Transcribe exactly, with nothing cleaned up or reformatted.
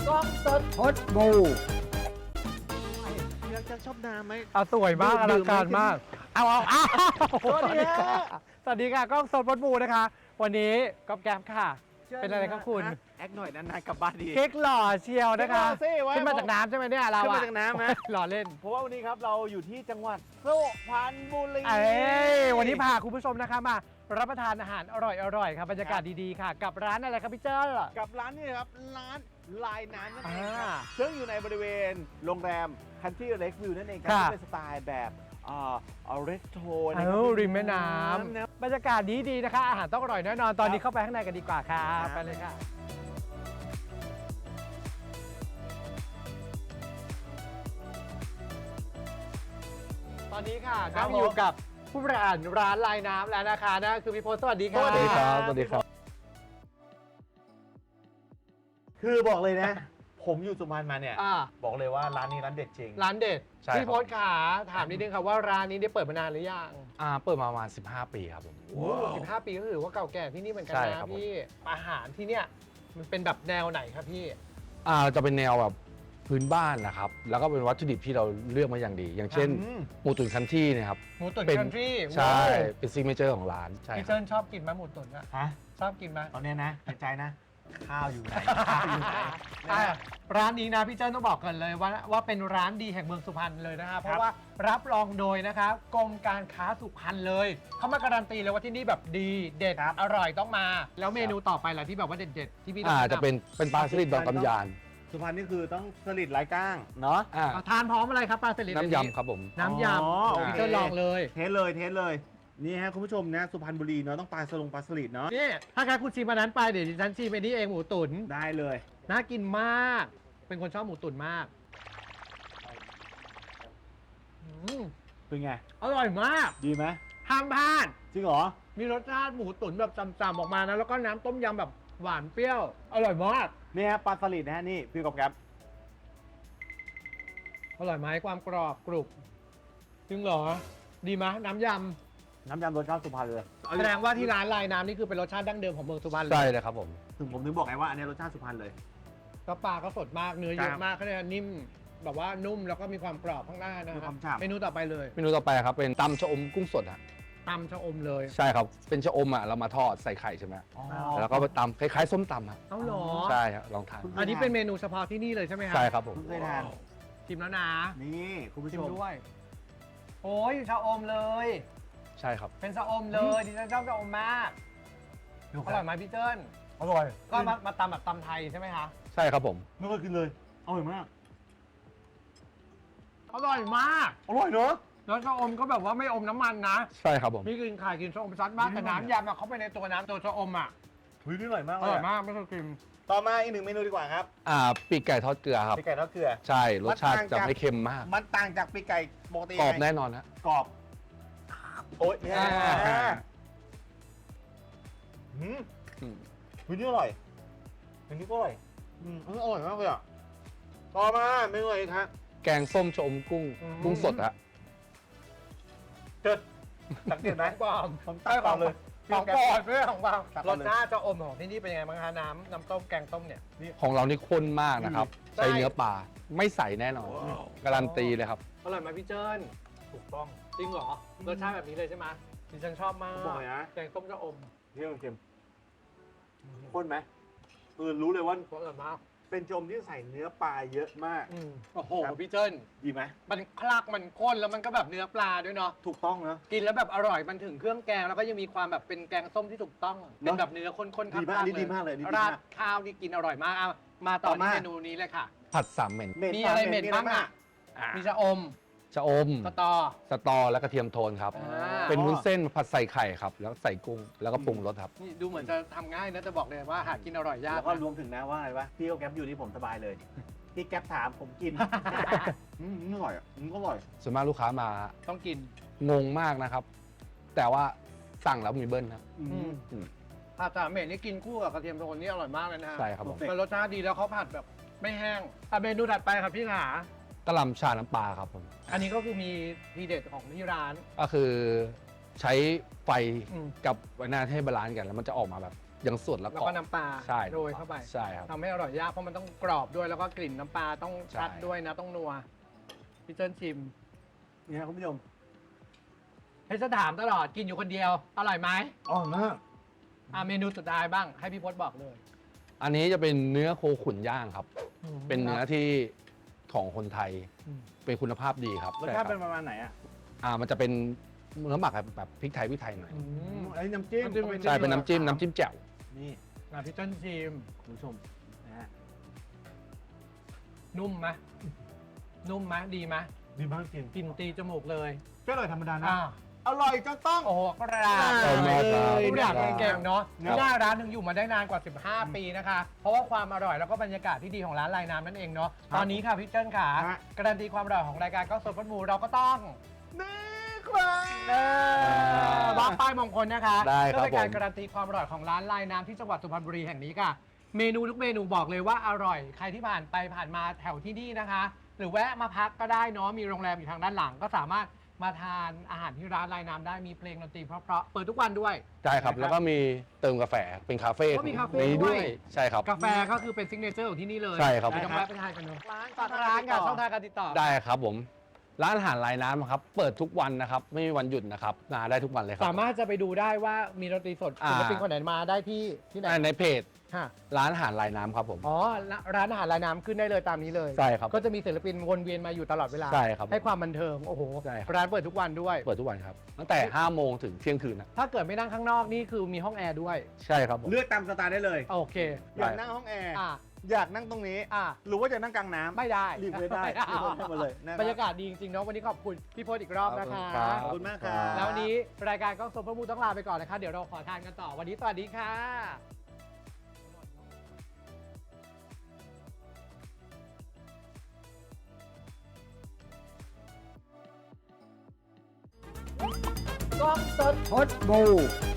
กล้องสดพดบูพี่รักจังชอบน้ำไหมเอาสวยมากอลังการมากเอาเอาเอาสวัสดีค่ะสวัสดีค่ะกล้องสดพดบูนะคะวันนี้ก๊อฟแก๊มค่ะเป็นอะไรครับคุณแอคหน่อยนานๆกลับบ้านดีเค้กหล่อเชียวนะคะเค้กหล่อสิไว้ขึ้นมาจากน้ำใช่ไหมเนี่ยเราขึ้นอะมาจากน้ำนะหล่อเล่นเพราะว่าวันนี้ครับเราอยู่ที่จังหวัดสุพรรณบุรีเอ้ยวันนี้พาคุณผู้ชมนะคะมารับประทานอาหารอร่อยๆครับบรรยากาศดีๆค่ะ กับร้านอะไรครับพี่เจ้ากับร้านนี้นะครับร้านลายน้ำนั่นเองคอ่ารับซึ่งอยู่ในบริเวณโรงแรม Country Lake View นั่นเองครัค่ะที่เป็นสไตล์แบบอ่าอเรสโทนเอ้าริมแม่น้ำบรรยากาศดีๆนะคะ อาหารต้องอร่อยแน่นอนตอนนี้เข้าไปข้างในกันดีกว่าครับไปเลยค่ะตอนนี้ค่ะครัก็บอยู่กับผู้บริหารร้านลายน้ำแล้วนะคะนั่นคือพี่โพสสวัสดีค่ะสวัสดีครับสวัสดีครับคือบอกเลยนะ ผมอยู่สุพรรณมาเนี่ยอ่าบอกเลยว่าร้านนี้ร้านเด็ดจริงร้านเด็ดใช่พี่ครับโพสขาถามนิดนึงค่ะว่าร้านนี้ได้เปิดมานานหรือยังอ่าเปิดมาประมาณสิบห้าปีครับผมโอ้สิบห้าปีก็ถือว่าเก่าแก่ที่นี่เหมือนกันใช่นะครับผมพี่อาหารที่เนี่ยมันเป็นแบบแนวไหนครับพี่อ่าจะเป็นแนวแบบพื้นบ้านนะครับแล้วก็เป็นวัตถุดิบที่เราเลือกมาอย่างดี อย่างเช่นอืมหมูตุ๋นคันที่เนะครับหมูตุ๋นเป็นคันทรีใช่เป็นซิกเนเจอร์ของร้านใช่พี่คเจิ้รับนชอบกินไหมหมูตุ๋นอะฮะชอบกินไหมตอนเนี้ยนะในใจนะ ข้าวอยู่ไหน ข้าวอยู่ไหนอ่ะร้านนี้นะพี่เจิ้นต้องบอกกันเลยว่าว่าเป็นร้านดีแห่งเมืองสุพรรณเลยนะคะเพราะว่ารับรองโดยนะคะกรมการค้าสุพรรณเลยเขามาการันตีเลยว่าที่นี่แบบดีเด็ดอร่อยต้องมา แล้วเมนูต่อไปล่ะที่แบบว่าเด็ดๆที่พี่ต้อ่าแนำจะเป็นเป็นปลาสลิดดองกำยานสุพรรณนี่คือต้องสลิดไร้ก้างเนาะอ่าเอาทานพร้อมอะไรครับปลาสลิดน้ำยำครับผมน้ำยอ๋อำโอเคพี่เจิ้นลองเลยเทสเลยเทสเลยนี่ฮะคุณผู้ชมนะสุพรรณบุรีเนาะต้องปลาสลงปลาสลิดเนาะนี่ถ้าใครคุณชิมอันนั้นไปเดี๋ยวดิฉันชิมไปนี่เองหมูตุ๋นได้เลยน่ากินมาก เป็นคนชอบหมูตุ๋นมากอืมเป็นไงอร่อยมากดีไหมห้ามพลาดจริงเหรอมีรสชาติหมูตุ๋นแบบจำๆออกมานะ แล้วก็น้ำต้มยำแบบหวานเปรี้ยว อร่อยมากนี่ฮะปลาสลิดนะฮะนี่พี่กบครับอร่อยไหมความกรอบกรุบจริงเหรอ ดีไหมน้ำยน้ำยำรสชาติสุพรรณเลยำแสดงว่าที่ร้านลายน้ำนี่คือเป็นรสชาติดั้งเดิมของเมืองสุพรรณเลใช่ยเลยครับผมถึงผมถึงบอกไงว่าอันนี้รสชาติสุพรรณเลยก็ปลาก็สดมากเนื้อเยครัอะบมากก็เลยนิ่มแบบว่านุ่มแล้วก็มีความกรอบข้างหน้านะมีคครัวาบมฉ่ำเมนูต่อไปเลยเมนูต่อไปครับเป็นตำชะอมกุ้งสดฮะตำชะอมเลยใช่ครับเป็นชะอมอ่ะเรามาทอดใส่ไข่ใช่ไหมอ๋อแล้วก็ไปตำคล้ายๆส้มตำครับเอ้าเหรอใช่ครับลองทานอันนี้เป็นเมนูเฉพาะที่นี่เลยใช่ไหมครับใช่ครับผมเพิ่งเคยทานชิมแล้วนะนี่คุณผู้ชิชมมด้วย โอ้ยชะอมเลยใช่ครับเป็นชะอมเลยดิฉันชอบชะอมมากดูอคร่รัอบ ยไหมพี่เจิ้นอร่อยก็มามาตำแบบตำไทยใช่ไหมคะใช่ครับผมไม่เคยกินเลยอร่อยมากอร่อยมากอร่อยเนอะแล้วชะอมก็แบบว่าไม่อมน้ำมันนะใช่ครับผมพี่กินไข่กินชะอมซัดมากแต่น้ำยำอะเข้าไปในตัวน้ำตัวชะอมอะเฮ้ยนี่อร่อยมากอเลยร่อยอะมากไม่เคยกินต่อมาอีกหนึ่งเมนูดีกว่าครับอ่าปีกไก่ทอดเกลือครับปีกไก่ทอดเกลือใช่รสชาติมันต่างจะจากไม่เค็มมากมันต่างจากปีกไก่ปกติกรอบยังไงแน่นอนฮะกรอบโอ๊ยแย่อ่าอืมอืมเฮ้ยนี่อร่อยอันนี้ก็อร่อยอืมอันนี้อร่อยมากเลยอ่ะต่อมาเมนูอะไรอีกฮะแกงส้มชะอมกุ้งกุ้งสดฮะเจิดสังเกตไหมปลอมผมตัดก่อนเลยของปลอมด้วยของปลอมตัดรก่อสนเลยชาติชะอมของที่นี่เป็นยังไงบ้างคะน้ำน้ำต้มแกงต้มเนี่ยของเรานี่ข้นมากนะครับใช่ใช้เนื้อปลาไม่ใส่แน่นอน การันตีเลยครับอร่อยไหมพี่เจิ้นถูกต้องจริงเหรอรสชาติแบบนี้เลยใช่ไหมดิฉันชอบมากผมบอกเลยนะแกงต้มชะอมเที่ยงเค็มข้นไหมเออรู้เลยว่าอร่อยมากเป็นโจมที่ใส่เนื้อปลาเยอะมากอืมโอ้โหครับพี่เจิ้นดีไหมมันคลักมันข้นแล้วมันก็แบบเนื้อปลาด้วยเนาะถูกต้องนะกินแล้วแบบอร่อยมันถึงเครื่องแกงแล้วก็ยังมีความแบบเป็นแกงส้มที่ถูกต้องเป็นแบบเนื้อข้นๆดีมากๆอันนี้ดีมากเลยอันนี้ดีมากราดข้าวนี่กินอร่อยมากเอามาต่อต่อมาที่เมนูนี้เลยค่ะผัดสามเหม็นเม็ดมีอะไรเหม็นมีบ้างอ่ะอ่ามีชะอมชะอมสตอสตอและกระเทียมโทนครับอ่าเป็นวุ้นเส้นผัดใส่ไข่ครับ แล้วใส่กุ้งแล้วก็ปรุงรสครับนี่ดูเหมือนจะทำง่ายนะจะบอกเลยว่าหากินอร่อยยากแล้วก็นะรวมถึงนะว่าอะไรวะพี่ก็แก๊ปอยู่ที่ผมสบายเลยพี่แก๊ปถามผมกิน อืมอร่อยอ่ะอืมก็อร่อยส่วนมากลูกค้ามาต้องกินงงมากนะครับ แต่ว่าสั่งแล้วมีเบิ้ลครับอือืมมอืมผัดสามเหม็นนี่กินคู่กับกระเทียมโทนนี่อร่อยมากเลยนะฮะใช่ครับผมเป็นรสชาติดีแล้วเขาผัดแบบไม่แห้งอ่ะเมนูถัดไปครับพี่ขากะหล่ำชาน้ำปลาครับผมอันนี้ก็คือมีทีเด็ดของที่ร้านก็คือใช้ไฟอืมกับไวนาให้บาลานซ์กัน แล้วมันจะออกมาแบบยังสดแล้วแล้วกรอบก็น้ำปลาใช่โรยเข้าไปใช่ครับทำให้อร่อยยากเพราะมันต้องกรอบด้วยแล้วก็กลิ่นน้ำปลาต้องชัดใช่ด้วยนะต้องนัวพี่เจิ้นชิมเนี่ยคุณผู้ชมให้จะถามตลอดกินอยู่คนเดียวอร่อยไหมอ๋อนะอ่ะเมนูสุดท้ายบ้างให้พี่พศบอกเลยอันนี้จะเป็นเนื้อโคขุนย่างครับ เป็นเนื้อที่ของคนไทยอืมเป็นคุณภาพดีครับรสชาติใคเป็นบประมาณไหนอ่ะอ่ามันจะเป็นเนื้อหมักแบบแบบพริกไทยพริกไทยหน่อยอืมอันนี้น้ำจิ้มน้ำจิ้มก็ใช่เป็นน้ำจิ้มน้ำจิ้มแจ่วนี่อ่ะพี่เจิ้นชิมคุณผู้ชมนะฮะนุ่มไหมนุ่มไหมดีไหมดีมากจริงกลิ่นตีจมูกเลยก็อร่อยธรรมดานะอ่าอร่อยจนต้องโอ้โหกราบขอบคุณมากครับทุกอย่างเก่งๆเนาะครับหน้าร้านหนึ่งอยู่มาได้นานกว่า สิบห้า ปีนะคะ เพราะว่าความอร่อยแล้วก็บรรยากาศที่ดีของร้านลายน้ำนั่นเองเนาะ ตอนนี้ค่ะพี่เจิ้นขาฮะการันตีความอร่อยของรายการก็สดพัดหมูเราก็ต้องนี่ครับเออวางป้ายมงคลนะคะได้ครับเพื่อเป็นการผมการันตีความอร่อยของร้านลายน้ำที่จังหวัดสุพรรณบุรีแห่งนี้ค่ะ เมนูทุกเมนูบอกเลยว่าอร่อย ใครที่ผ่านไปผ่านมาแถวที่นี่นะคะ หรือแวะมาพักก็ได้เนาะ มีโรงแรมอยู่ทางด้านหลัง ก็สามารถมาทานอาหารที่ร้านลายน้ำได้ มีเพลงดนตรีเพราะๆ เปิดทุกวันด้วยใช่ครับ แล้วก็มีเติมกาแฟเป็นคาเฟ่ก็มีคาเฟ่นี้ด้ด้ววย ยใช่ครับกาแฟก็คือเป็นซิกเนเจอร์ของที่นี่เลยใช่ครับเดี๋ยวต้องแวะไปทานกันเนาะร้านฝากร้านกับช่องทางการติดต่อได้ครับผม ร้านอาหารลายน้ำครับ เปิดทุกวันนะครับ ไม่มีวันหยุดนะครับมาได้ทุกวันเลยครัสามารถจะไปดูได้ว่ามีดนตรีสดอ่าศิลปินคนไหนมาได้ที่ที่ไหนอ่าในเพจค่ะร้านอาหารลายน้ำครับผมอ๋อร้านอาหารลายน้ำขึ้นได้เลยตามนี้เลยใช่ครับก็จะมีศิลปินวนเวียนมาอยู่ตลอดเวลาใช่ครับให้ความบันเทิง โอ้โหใช่ครับร้านเปิดทุกวันด้วยเปิดทุกวันครับ ตั้งแต่ห้าโมงถึงเที่ยงคืนนะถ้าเกิดไม่นั่งข้างนอกนี่คือมีห้องแอร์ด้วยใช่ครับผมเลือกตามสไตล์ได้เลยโอเคอยากนั่งห้องแอร์อ่าอยากนั่งตรงนี้อ่าหรือว่าจะนั่งกลางน้ำไม่ได้รีบเลยได้ม่รีบเลยได้หมดเลยนะคบรรยากาศดีจริงๆเนาะวันนี้ขอบคุณพี่พจน์อีกรอบนะคะขอบคุณมากครับแล้ววันนี้รายการกล้องสดพระมูต้องลาไปก่อนนะคะ เดี๋ยวเราขอทานกันต่อ วันนี้สวัสดีค่ะ กล้องสดพดบู